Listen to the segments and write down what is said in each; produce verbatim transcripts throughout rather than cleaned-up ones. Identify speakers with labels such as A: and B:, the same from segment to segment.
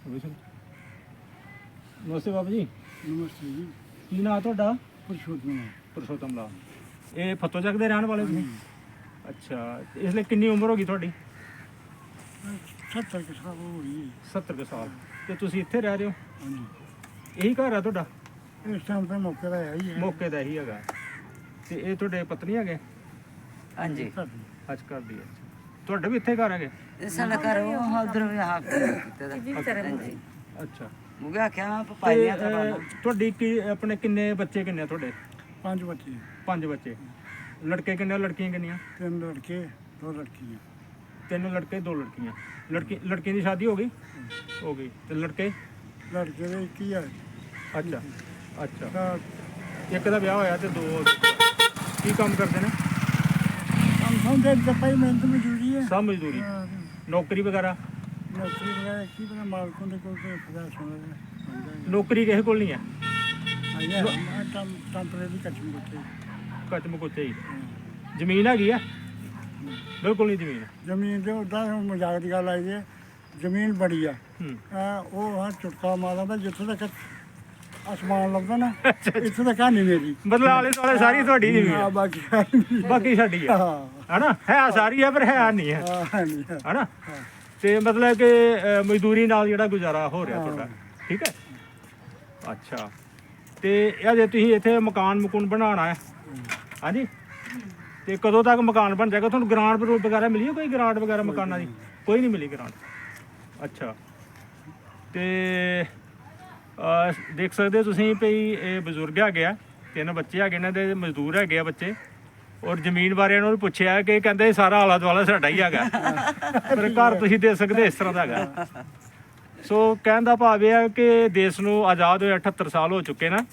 A: ਨਮਸਤੇ ਬਾਬੂ ਜੀ।
B: ਨਮਸਤੇ ਜੀ।
A: ਕੀ ਨਾਂ ਤੁਹਾਡਾ?
B: ਪਰਸ਼ੋਤਮ।
A: ਪਰਸ਼ੋਤਮ ਲਾਲ। ਇਹ ਫੱਤੋ ਚੱਕ ਦੇ ਰਹਿਣ ਵਾਲੇ ਤੁਸੀਂ? ਅੱਛਾ, ਇਸ ਲਈ ਕਿੰਨੀ ਉਮਰ ਹੋ ਗਈ ਤੁਹਾਡੀ?
B: ਸੱਤਰ ਕੁ ਸਾਲ ਹੋ ਗਈ।
A: ਸੱਤਰ ਕੁ ਸਾਲ। ਤੇ ਤੁਸੀਂ ਇੱਥੇ ਰਹਿ ਰਹੇ ਹੋ?
B: ਹਾਂਜੀ।
A: ਇਹੀ ਘਰ ਆ ਤੁਹਾਡਾ?
B: ਇਸ ਟਾਈਮ ਤੇ ਮੌਕੇ ਦਾ ਹੈ ਹੀ ਹੈ।
A: ਮੌਕੇ ਦਾ ਇਹੀ ਹੈਗਾ। ਤੇ ਇਹ ਤੁਹਾਡੇ ਪਤਨੀ ਹੈਗੇ?
C: ਹਾਂਜੀ।
A: ਅੱਜ ਘਰ ਦੀ ਹੈ। ਤੁਹਾਡਾ ਵੀ ਇੱਥੇ ਘਰ ਹੈਗੇ?
C: ਸਾਡਾ ਘਰ ਉਹ ਉਧਰ ਵੀ ਹਾਕ ਕੀਤੇ ਦਾ। ਹਾਂਜੀ।
A: ਅੱਛਾ।
C: ਮੁਗੇ ਆਖਿਆ ਪਪਾਈਆਂ
A: ਤੇ, ਅਹ, ਤੁਹਾਡੀ ਕੀ ਆਪਣੇ ਕਿੰਨੇ ਬੱਚੇ ਕਿੰਨੇ ਤੁਹਾਡੇ?
B: ਪੰਜ ਬੱਚੇ।
A: ਪੰਜ ਬੱਚੇ। ਲੜਕੇ ਕਿੰਨੇ, ਲੜਕੀਆਂ ਕਿੰਨੀਆਂ?
B: ਤਿੰਨ ਲੜਕੇ ਦੋ ਲੜਕੀਆਂ।
A: ਤਿੰਨ ਲੜਕੇ ਦੋ ਲੜਕੀਆਂ। ਲੜਕੀ ਲੜਕੀਆਂ ਦੀ ਸ਼ਾਦੀ ਹੋ ਗਈ? ਹੋ ਗਈ। ਤੇ ਲੜਕੇ?
B: ਲੜਕੇ ਦੇ ਇੱਕ ਹੀ ਹੈ।
A: ਅੱਛਾ ਅੱਛਾ।
B: ਤਾਂ
A: ਇੱਕ ਦਾ ਵਿਆਹ ਹੋਇਆ ਤੇ ਦੋ। ਕੀ ਕੰਮ ਕਰਦੇ ਨੇ?
B: ਕੰਮ ਸਮਝੇ ਜਪਾਈ ਮਿਹਨਤ ਮਜ਼ਦੂਰੀ ਹੈ।
A: ਸਭ ਮਜ਼ਦੂਰੀ।
B: ਹਾਂ,
A: ਨੌਕਰੀ ਵਗੈਰਾ?
B: ਨੌਕਰੀ ਵਗੈਰਾ ਕੀ ਪਤਾ ਮਾਲਕੋਂ ਦੇ ਕੋਲ ਕੋਈ ਪਤਾ ਸੁਣਦਾ।
A: ਨੌਕਰੀ ਕਿਸੇ ਕੋਲ ਨਹੀਂ ਹੈ?
B: ਆਇਆ ਮੈਂ ਟੰ ਟੈਂਪਰੇਰੀ ਕੱਚੀ ਬੱਚੇ।
A: ਕੱਚ ਮੁੱਚੇ ਹੀ। ਜ਼ਮੀਨ ਹੈਗੀ ਆ? ਬਿਲਕੁਲ ਨਹੀਂ ਜ਼ਮੀਨ।
B: ਜ਼ਮੀਨ ਦੇ ਉੱਦਾਂ ਮਜ਼ਾਕ ਦੀ ਗੱਲ ਆਈ ਹੈ। ਜ਼ਮੀਨ ਬੜੀ ਆ।
A: ਹੂੰ।
B: ਆ ਉਹ ਹਾਂ ਚੁਟਕਾ ਮਾਰਦਾ ਜਿੱਥੇ ਤੱਕ ਅਸਮਾਨ ਲੱਭਦਾ ਨਾ ਇੱਥੇ ਤੱਕ ਨਹੀਂ ਮੇਰੀ।
A: ਮਤਲਬ ਆਲੇ ਦੁਆਲੇ ਸਾਰੀ ਤੁਹਾਡੀ ਜ਼ਮੀਨ
B: ਹਾਂ,
A: ਹੈ?
B: ਬਾਕੀ
A: ਬਾਕੀ ਸਾਡੀ ਹੈ?
B: ਹਾਂ
A: ਹਨਾ, ਹੈ ਸਾਰੀ ਹੈ ਪਰ ਹੈ ਨਹੀਂ ਹੈ।
B: ਹਾਂ ਨਹੀਂ ਹੈ।
A: ਹਨਾ। ਤੇ ਮਤਲਬ ਕਿ ਅਹ, ਮਜ਼ਦੂਰੀ ਨਾਲ ਜਿਹੜਾ ਗੁਜ਼ਾਰਾ ਹੋ ਰਿਹਾ ਤੁਹਾਡਾ? ਠੀਕ ਹੈ। ਅੱਛਾ। ਤੇ ਇਹ ਜੇ ਤੁਸੀਂ ਇੱਥੇ ਮਕਾਨ ਮਕੂਨ ਬਣਾਉਣਾ ਹੈ, ਹਾਂਜੀ, ਤੇ ਕਦੋਂ ਤੱਕ ਮਕਾਨ ਬਣ ਜਾਏਗਾ? ਤੁਹਾਨੂੰ ਗ੍ਰਾਂਟ ਵਗੈਰਾ ਮਿਲੀ ਹੈ? ਕੋਈ ਗ੍ਰਾਂਟ ਵਗੈਰਾ ਮਕਾਨਾਂ ਦੀ? ਕੋਈ ਨਹੀਂ ਮਿਲੀ ਗ੍ਰਾਂਟ। ਅੱਛਾ। ਤੇ ਅਹ, ਦੇਖ ਸਕਦੇ ਹੋ ਤੁਸੀਂ ਭਈ ਇਹ ਬਜ਼ੁਰਗ ਹੈਗੇ ਆ, ਤਿੰਨ ਬੱਚੇ ਹੈਗੇ ਇਹਨਾਂ ਦੇ, ਮਜ਼ਦੂਰ ਹੈਗੇ ਆ ਬੱਚੇ। ਔਰ ਜ਼ਮੀਨ ਬਾਰੇ ਇਹਨਾਂ ਨੂੰ ਪੁੱਛਿਆ ਕਿ ਕਹਿੰਦੇ ਸਾਰਾ ਆਲਾ ਦੁਆਲਾ ਸਾਡਾ ਹੀ ਹੈਗਾ। ਪਰ ਘਰ ਤੁਸੀਂ ਦੇ ਸਕਦੇ ਇਸ ਤਰ੍ਹਾਂ ਦਾ ਹੈਗਾ। ਸੋ ਕਹਿਣ ਦਾ ਭਾਵ ਇਹ ਹੈ ਕਿ ਦੇਸ਼ ਨੂੰ ਆਜ਼ਾਦ ਹੋਏ ਅਠੱਤਰ ਸਾਲ ਹੋ ਚੁੱਕੇ ਨਾ,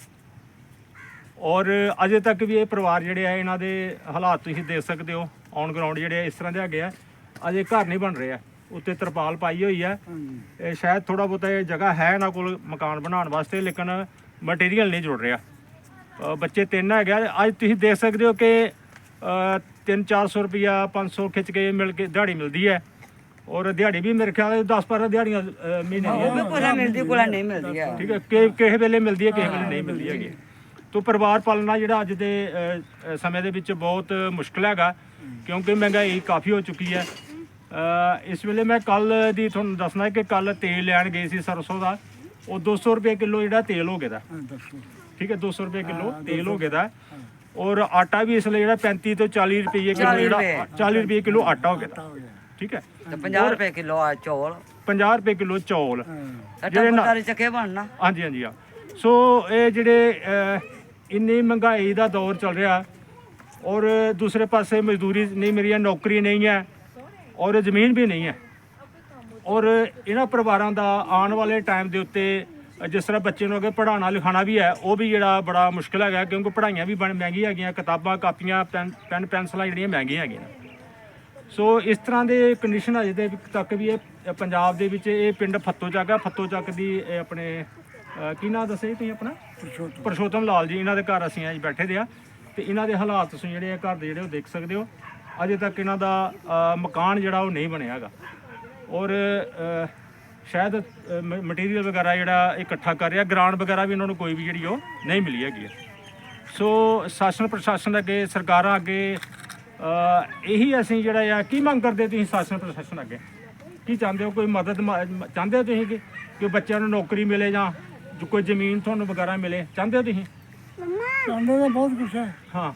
A: ਔਰ ਅਜੇ ਤੱਕ ਵੀ ਇਹ ਪਰਿਵਾਰ ਜਿਹੜੇ ਆ ਇਹਨਾਂ ਦੇ ਹਾਲਾਤ ਤੁਸੀਂ ਦੇਖ ਸਕਦੇ ਹੋ ਔਨ ਗਰਾਊਂਡ ਜਿਹੜੇ ਆ ਇਸ ਤਰ੍ਹਾਂ ਦੇ ਹੈਗੇ ਆ। ਅਜੇ ਘਰ ਨਹੀਂ ਬਣ ਰਹੇ ਆ। ਉੱਤੇ ਤਰਪਾਲ ਪਾਈ ਹੋਈ ਹੈ। ਇਹ ਸ਼ਾਇਦ ਥੋੜਾ ਬਹੁਤਾ ਇਹ ਜਗ੍ਹਾ ਹੈ ਇਹਨਾਂ ਕੋਲ ਮਕਾਨ ਬਣਾਉਣ ਵਾਸਤੇ, ਲੇਕਿਨ ਮਟੀਰੀਅਲ ਨਹੀਂ ਜੁੜ ਰਿਹਾ। ਅ, ਬੱਚੇ ਤਿੰਨ ਹੈਗੇ ਆ। ਅੱਜ ਤੁਸੀਂ ਦੇਖ ਸਕਦੇ ਹੋ ਕਿ ਅ, ਤਿੰਨ ਚਾਰ ਸੌ ਰੁਪਈਆ ਪੰਜ ਸੌ ਖਿੱਚ ਕੇ ਮਿਲ ਕੇ ਦਿਹਾੜੀ ਮਿਲਦੀ ਹੈ। ਔਰ ਦਿਹਾੜੀ ਵੀ ਮੇਰੇ ਖਿਆਲ ਦਸ ਬਾਰਾਂ ਦਿਹਾੜੀਆਂ ਅ, ਮਹੀਨੇ ਦੀਆਂ।
C: ਕੋਲਾ ਮਿਲਦੀ ਕੋਲਾ ਨਹੀਂ ਮਿਲਦੀ ਹੈ।
A: ਠੀਕ ਹੈ। ਕਿ ਕਿਸੇ ਵੇਲੇ ਮਿਲਦੀ ਹੈ, ਕਿਸੇ ਵੇਲੇ ਨਹੀਂ ਮਿਲਦੀ ਹੈਗੀ। ਤੋ ਪਰਿਵਾਰ ਪਾਲਣਾ ਜਿਹੜਾ ਅੱਜ ਦੇ ਅ, ਸਮੇਂ ਦੇ ਵਿੱਚ ਬਹੁਤ ਮੁਸ਼ਕਿਲ ਹੈਗਾ, ਕਿਉਂਕਿ ਮਹਿੰਗਾਈ ਕਾਫੀ ਹੋ ਚੁੱਕੀ ਹੈ। ਅ, ਇਸ ਵੇਲੇ ਮੈਂ ਕੱਲ ਦੀ ਤੁਹਾਨੂੰ ਦੱਸਣਾ ਕਿ ਕੱਲ ਤੇਲ ਲੈਣ ਗਏ ਸੀ ਸਰਸੋਂ ਦਾ। ਉਹ ਦੋ ਸੌ ਰੁਪਏ ਕਿਲੋ ਜਿਹੜਾ ਤੇਲ ਹੋ ਗਿਆ ਦਾ। ਠੀਕ ਹੈ, ਦੋ ਸੌ ਰੁਪਏ ਕਿਲੋ ਤੇਲ ਹੋ ਗਿਆ ਦਾ। ਔਰ ਆਟਾ ਵੀ ਇਸ ਲਈ ਜਿਹੜਾ ਪੈਂਤੀ ਤੋਂ ਚਾਲੀ ਰੁਪਏ ਕਿਲੋ, ਜਿਹੜਾ ਚਾਲੀ ਰੁਪਏ ਕਿਲੋ ਆਟਾ ਹੋ ਗਿਆ ਦਾ। ਠੀਕ ਹੈ।
C: ਤੇ ਪੰਜਾਹ ਰੁਪਏ ਕਿਲੋ ਆ ਚੌਲ।
A: ਪੰਜਾਹ ਰੁਪਏ ਕਿਲੋ ਚੌਲ
C: ਜਿਹੜੇ ਨਾਲ ਚੱਕੇ ਬਣਨਾ।
A: ਹਾਂਜੀ ਹਾਂਜੀ ਆ। ਸੋ ਇਹ ਜਿਹੜੇ ਅ, ਇੰਨੀ ਮਹਿੰਗਾਈ ਦਾ ਦੌਰ ਚੱਲ ਰਿਹਾ, ਔਰ ਦੂਸਰੇ ਪਾਸੇ ਮਜ਼ਦੂਰੀ ਨਹੀਂ ਮਿਲ ਰਹੀ, ਨੌਕਰੀ ਨਹੀਂ ਹੈ, ਔਰ ਜ਼ਮੀਨ ਵੀ ਨਹੀਂ ਹੈ। ਔਰ ਇਹਨਾਂ ਪਰਿਵਾਰਾਂ ਦਾ ਆਉਣ ਵਾਲੇ ਟਾਈਮ ਦੇ ਉੱਤੇ ਜਿਸ ਤਰ੍ਹਾਂ ਬੱਚੇ ਨੂੰ ਅੱਗੇ ਪੜ੍ਹਾਉਣਾ ਲਿਖਾਉਣਾ ਵੀ ਹੈ, ਉਹ ਵੀ ਜਿਹੜਾ ਬੜਾ ਮੁਸ਼ਕਿਲ ਹੈਗਾ, ਕਿਉਂਕਿ ਪੜ੍ਹਾਈਆਂ ਵੀ ਬਣ ਮਹਿੰਗੀਆਂ ਹੈਗੀਆਂ, ਕਿਤਾਬਾਂ ਕਾਪੀਆਂ ਪੈਨ ਪੈਨ ਪੈਨਸਲਾਂ ਜਿਹੜੀਆਂ ਮਹਿੰਗੀਆਂ ਹੈਗੀਆਂ। ਸੋ ਇਸ ਤਰ੍ਹਾਂ ਦੇ ਕੰਡੀਸ਼ਨ ਅਜੇ ਦੇ ਤੱਕ ਵੀ ਇਹ ਪੰਜਾਬ ਦੇ ਵਿੱਚ, ਇਹ ਪਿੰਡ ਫੱਤੋ ਚੱਕ ਆ, ਫੱਤੋ ਚੱਕ ਦੀ ਇਹ ਆਪਣੇ ਅ, ਕੀ ਨਾਂ ਦੱਸਿਆ ਤੁਸੀਂ ਆਪਣਾ? ਪਰਸ਼ੋਤਮ ਲਾਲ ਜੀ। ਇਹਨਾਂ ਦੇ ਘਰ ਅਸੀਂ ਅੱਜ ਬੈਠੇ ਦੇ ਆ, ਤੇ ਇਹਨਾਂ ਦੇ ਹਾਲਾਤ ਤੁਸੀਂ ਜਿਹੜੇ ਆ ਘਰ ਦੇ ਜਿਹੜੇ ਉਹ ਦੇਖ ਸਕਦੇ ਹੋ। ਅਜੇ ਤੱਕ ਇਹਨਾਂ ਦਾ ਅ, ਮਕਾਨ ਜਿਹੜਾ ਉਹ ਨਹੀਂ ਬਣਿਆ ਹੈਗਾ। ਔਰ ਅ, ਸ਼ਾਇਦ ਮਟੀਰੀਅਲ ਵਗੈਰਾ ਜਿਹੜਾ ਇਕੱਠਾ ਕਰ ਰਿਹਾ, ਗ੍ਰਾਂਟ ਵਗੈਰਾ ਵੀ ਇਹਨਾਂ ਨੂੰ ਕੋਈ ਵੀ ਜਿਹੜੀ ਉਹ ਨਹੀਂ ਮਿਲੀ ਹੈਗੀ ਹੈ। ਸੋ ਸ਼ਾਸਨ ਪ੍ਰਸ਼ਾਸਨ ਅੱਗੇ, ਸਰਕਾਰਾਂ ਅੱਗੇ ਅ, ਇਹੀ ਅਸੀਂ ਜਿਹੜਾ ਆ, ਕੀ ਮੰਗ ਕਰਦੇ ਤੁਸੀਂ ਸ਼ਾਸਨ ਪ੍ਰਸ਼ਾਸਨ ਅੱਗੇ? ਕੀ ਚਾਹੁੰਦੇ ਹੋ? ਕੋਈ ਮਦਦ ਮ- ਚਾਹੁੰਦੇ ਹੋ ਤੁਸੀਂ ਕਿ ਕਿ ਬੱਚਿਆਂ ਨੂੰ ਨੌਕਰੀ ਮਿਲੇ ਜਾਂ ਕੋਈ ਜ਼ਮੀਨ ਤੁਹਾਨੂੰ ਵਗੈਰਾ ਮਿਲੇ? ਚਾਹੁੰਦੇ ਹੋ ਤੁਸੀਂ?
B: ਚਾਹੁੰਦੇ ਤਾਂ ਬਹੁਤ ਕੁਛ ਹੈ,
A: ਹਾਂ।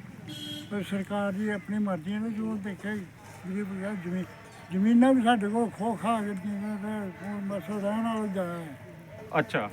B: ਪਰ ਸਰਕਾਰ ਦੀ ਆਪਣੀ ਮਰਜ਼ੀ ਨੇ ਜੋ ਦੇਖਿਆ ਜਿਹੜੀ ਬਗੈਰ ਜ਼ਮੀਨ ਜ਼ਮੀਨਾਂ ਵੀ ਸਾਡੇ ਕੋਲ ਖੋ ਖਾ ਕੇ ਦੀਆਂ ਤੇ ਹੁਣ ਬਸ ਰਹਿਣ ਵਾਲਾ ਜਗ੍ਹਾ ਹੈ।
A: ਅੱਛਾ,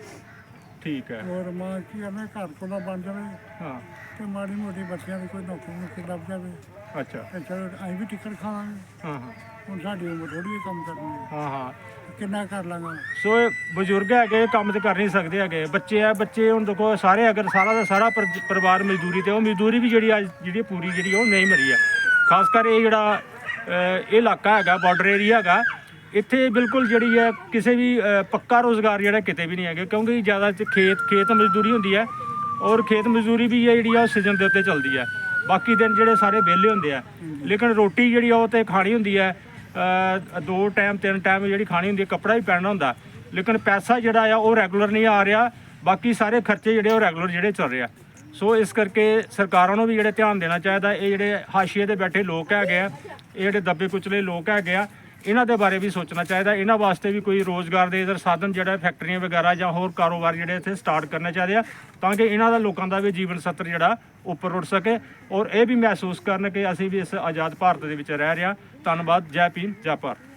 A: ਠੀਕ ਹੈ।
B: ਹੋਰ ਮਾਂ ਕੀ ਕਰਨਾ, ਘਰ ਕੋਲ ਬਣ ਜਾਵੇ
A: ਹਾਂ।
B: ਤੇ ਮਾੜੀ ਮੋਟੀ ਬੱਚਿਆਂ ਦੀ ਕੋਈ ਨੌਕਰੀ ਨੌਕਰੀ ਲੱਭ ਜਾਵੇ
A: ਅੱਛਾ।
B: ਤੇ ਚਲੋ ਅਸੀਂ ਵੀ ਟਿਕਟ ਖਾਵਾਂਗੇ।
A: ਹਾਂ ਹਾਂ
B: ਹੁਣ ਸਾਡੀ ਉਮਰ ਥੋੜੀ ਕੰਮ ਕਰਨੀ ਹੈ,
A: ਹਾਂ ਹਾਂ।
B: ਕਿੰਨਾ ਕਰ ਲਾਂਗਾ।
A: ਸੋ ਇਹ ਬਜ਼ੁਰਗ ਹੈਗੇ, ਕੰਮ ਤੇ ਕਰ ਨਹੀਂ ਸਕਦੇ ਹੈਗੇ। ਬੱਚੇ ਆ, ਬੱਚੇ ਹੁਣ ਦੇਖੋ ਸਾਰੇ, ਅਗਰ ਸਾਰਾ ਦਾ ਸਾਰਾ ਪਰ- ਪਰਿਵਾਰ ਮਜ਼ਦੂਰੀ ਤੇ, ਉਹ ਮਜ਼ਦੂਰੀ ਵੀ ਜਿਹੜੀ ਅੱਜ ਜਿਹੜੀ ਪੂਰੀ ਜਿਹੜੀ ਉਹ ਨਹੀਂ ਮਿਲੀ ਹੈ। ਖਾਸ ਕਰ ਇਹ ਜਿਹੜਾ ਅ, ਇਹ ਇਲਾਕਾ ਹੈਗਾ, ਬਾਰਡਰ ਏਰੀਆ ਹੈਗਾ, ਇੱਥੇ ਬਿਲਕੁਲ ਜਿਹੜੀ ਹੈ ਕਿਸੇ ਵੀ ਅ, ਪੱਕਾ ਰੋਜ਼ਗਾਰ ਜਿਹੜਾ ਕਿਤੇ ਵੀ ਨਹੀਂ ਹੈਗਾ, ਕਿਉਂਕਿ ਜ਼ਿਆਦਾ ਚ ਖੇਤ ਖੇਤ ਮਜ਼ਦੂਰੀ ਹੁੰਦੀ ਹੈ। ਔਰ ਖੇਤ ਮਜ਼ਦੂਰੀ ਵੀ ਹੈ ਜਿਹੜੀ ਆ ਉਹ ਸੀਜ਼ਨ ਦੇ ਉੱਤੇ ਚੱਲਦੀ ਹੈ। ਬਾਕੀ ਦਿਨ ਜਿਹੜੇ ਸਾਰੇ ਵਿਹਲੇ ਹੁੰਦੇ ਆ, ਲੇਕਿਨ ਰੋਟੀ ਜਿਹੜੀ ਆ ਉਹ ਤੇ ਖਾਣੀ ਹੁੰਦੀ ਹੈ। ਅ, ਦੋ ਟਾਈਮ ਤਿੰਨ ਟਾਈਮ ਜਿਹੜੀ ਖਾਣੀ ਹੁੰਦੀ ਹੈ, ਕੱਪੜਾ ਵੀ ਪਹਿਨਣਾ ਹੁੰਦਾ, ਲੇਕਿਨ ਪੈਸਾ ਜਿਹੜਾ ਆ ਉਹ ਰੈਗੂਲਰ ਨਹੀਂ ਆ ਰਿਹਾ, ਬਾਕੀ ਸਾਰੇ ਖਰਚੇ ਜਿਹੜੇ ਉਹ ਰੈਗੂਲਰ ਜਿਹੜੇ ਚੱਲ ਰਹੇ ਆ। ਸੋ ਇਸ ਕਰਕੇ ਸਰਕਾਰਾਂ ਨੂੰ ਵੀ ਜਿਹੜੇ ਧਿਆਨ ਦੇਣਾ ਚਾਹੀਦਾ। ਇਹ ਜਿਹੜੇ ਹਾਸ਼ੀਏ ਤੇ ਬੈਠੇ ਲੋਕ ਹੈਗੇ ਆ, ਇਹ ਜਿਹੜੇ ਦੱਬੇ ਕੁਚਲੇ ਲੋਕ ਹੈਗੇ ਆ, ਇਹਨਾਂ ਦੇ ਬਾਰੇ ਵੀ ਸੋਚਣਾ ਚਾਹੀਦਾ। ਇਹਨਾਂ ਵਾਸਤੇ ਵੀ ਕੋਈ ਰੋਜ਼ਗਾਰ ਦੇ ਇਧਰ ਸਾਧਨ ਜਿਹੜਾ ਫੈਕਟਰੀਆਂ ਵਗੈਰਾ ਜਾਂ ਹੋਰ ਕਾਰੋਬਾਰ ਜਿਹੜੇ ਇੱਥੇ ਸਟਾਰਟ ਕਰਨੇ ਚਾਹੀਦੇ ਆ, ਤਾਂ ਕਿ ਇਹਨਾਂ ਦਾ ਲੋਕਾਂ ਦਾ ਵੀ ਜੀਵਨ ਸੱਤਰ ਜਿਹੜਾ ਉੱਪਰ ਉੱਠ ਸਕੇ ਔਰ ਇਹ ਵੀ ਮਹਿਸੂਸ ਕਰਨ ਕਿ ਅਸੀਂ ਵੀ ਇਸ ਆਜ਼ਾਦ ਭਾਰਤ ਦੇ ਵਿੱਚ ਰਹਿ ਰਹੇ ਹਾਂ। ਧੰਨਵਾਦ। ਜੈ ਭੀਮ, ਜੈ ਭਾਰਤ।